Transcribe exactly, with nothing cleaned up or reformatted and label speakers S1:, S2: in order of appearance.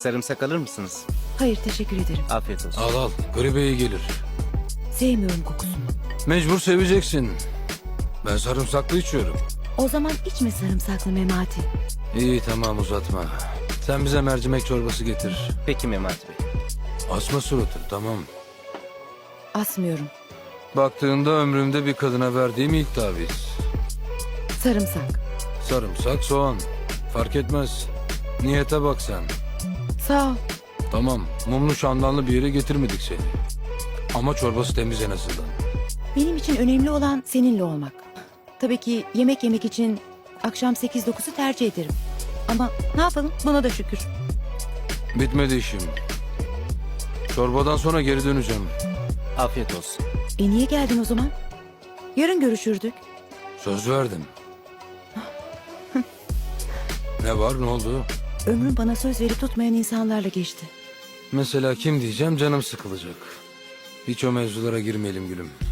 S1: Sarımsak alır mısınız?
S2: Hayır, teşekkür ederim.
S1: Afiyet olsun.
S3: Al al, gribe iyi gelir.
S2: Sevmiyorum kokusunu.
S3: Mecbur seveceksin. Ben sarımsaklı içiyorum.
S2: O zaman içme sarımsaklı Memati.
S3: İyi tamam uzatma. Sen bize mercimek çorbası getir.
S1: Peki Memati Bey.
S3: Asma suratı tamam.
S2: Asmıyorum.
S3: Baktığında ömrümde bir kadına verdiğim ilk taviz.
S2: Sarımsak.
S3: Sarımsak, soğan. Fark etmez. Niyete bak sen.
S2: Sağ ol.
S3: Tamam, mumlu şamdanlı bir yere getirmedik seni. Ama çorbası temiz en azından.
S2: Benim için önemli olan seninle olmak. Tabii ki yemek yemek için akşam sekiz dokuzu tercih ederim. Ama ne yapalım, buna da şükür.
S3: Bitmedi işim. Çorbadan sonra geri döneceğim.
S1: Afiyet olsun.
S2: E niye geldin o zaman? Yarın görüşürdük.
S3: Söz verdim. Ne var, ne oldu?
S2: Ömrüm bana söz verip tutmayan insanlarla geçti.
S3: Mesela kim diyeceğim, canım sıkılacak. Hiç o mevzulara girmeyelim gülüm.